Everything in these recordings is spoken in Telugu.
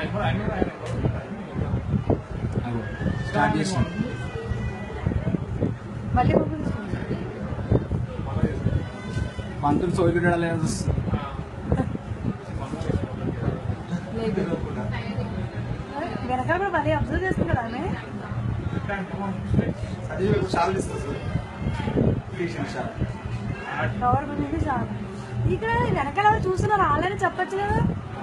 స్టార్ట్ చేసిన మళ్ళీ పంతులు సోయిలు లేదు. వెనకాల కూడా మళ్ళీ అబ్జర్వ్ చేసుకుంటాడు ఆమె. కవర్ ఉంది చాలు. ఇక్కడ వెనకాల చూస్తున్నారు వాళ్ళని చెప్పచ్చు కదా.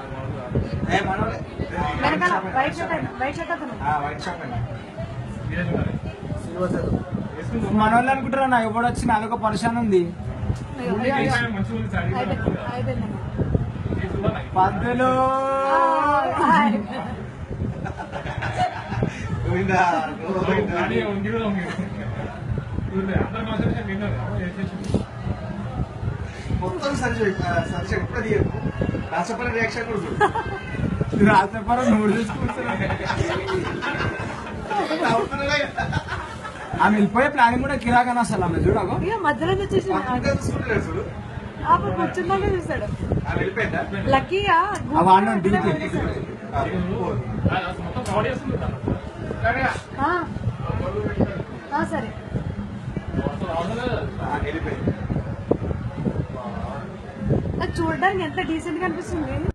వెనకాల వైట్ షర్ట్ అతను మనోళ్ళు అనుకుంటారా నా ఎవడు వచ్చి నాదొక పరిశాన్ ఉంది. పంతులు మొత్తం సరి ఎప్పుడు రాసపల్లి రియాక్షన్ కూడా రాసపరం నువ్వు చూసుకుంటున్నా. ఆమె వెళ్ళిపోయే ప్లానింగ్ కూడా కిరాకని అసలు ఆమె చూడకు మధ్యలో వచ్చేసి కూర్చున్నాక చూసాడు. లక్కీగా సరే చూడడానికి ఎంత డీసెంట్ గా అనిపిస్తుంది.